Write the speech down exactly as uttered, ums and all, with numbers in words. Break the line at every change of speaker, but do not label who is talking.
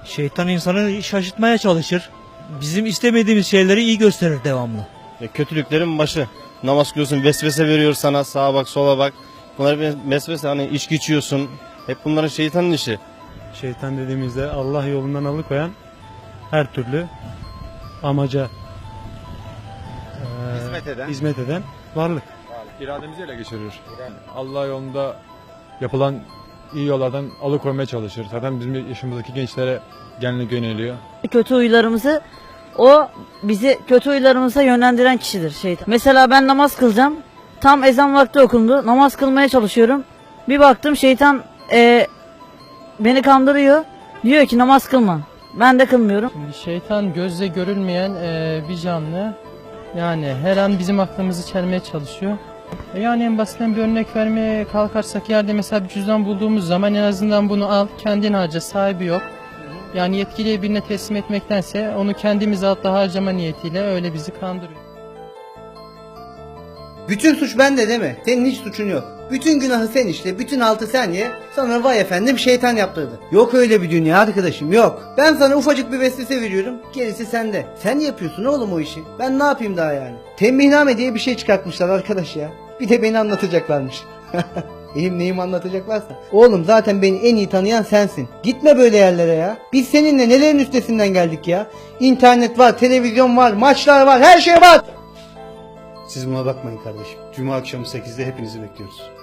Şeytan insanı şaşırtmaya çalışır. Bizim istemediğimiz şeyleri iyi gösterir devamlı.
E, kötülüklerin başı. Namaz kılıyorsun, vesvese veriyor sana, sağa bak, sola bak. Bunlar bir vesvese, hani içki içiyorsun. Hep bunların şeytanın işi.
Şeytan dediğimizde Allah yolundan alıkoyan her türlü amaca e,
Hizmet eden.
hizmet eden varlık.
İrademizi ele geçirir. Allah yolunda yapılan iyi yollardan alıkoymaya çalışır. Zaten bizim yaşımızdaki gençlere genellikle yöneliyor.
Kötü huylarımızı, o bizi kötü huylarımıza yönlendiren kişidir şeytan. Mesela ben namaz kılacağım. Tam ezan vakti okundu. Namaz kılmaya çalışıyorum. Bir baktım şeytan e, beni kandırıyor. Diyor ki namaz kılma. Ben de kılmıyorum.
Şimdi şeytan gözle görülmeyen e, bir canlı. Yani her an bizim aklımızı çelmeye çalışıyor. E, yani en basitten bir örnek vermeye kalkarsak, yerde mesela bir cüzdan bulduğumuz zaman en azından bunu al, kendin harca, sahibi yok. Yani yetkili birine teslim etmektense onu kendimiz altta harcama niyetiyle öyle bizi kandırıyor.
Bütün suç bende değil mi? Senin hiç suçun yok. Bütün günahı sen işle, bütün altı sen ye. Sonra vay efendim şeytan yaptırdı. Yok öyle bir dünya arkadaşım, yok. Ben sana ufacık bir vesvese veriyorum, gerisi sende. Sen yapıyorsun oğlum o işi. Ben ne yapayım daha yani? Tembihname diye bir şey çıkartmışlar arkadaş ya. Bir de beni anlatacaklarmış. Elim neyim anlatacaklarsa. Oğlum zaten beni en iyi tanıyan sensin. Gitme böyle yerlere ya. Biz seninle nelerin üstesinden geldik ya. İnternet var, televizyon var, maçlar var, her şey var. Siz buna bakmayın kardeşim. Cuma akşamı sekizde hepinizi bekliyoruz.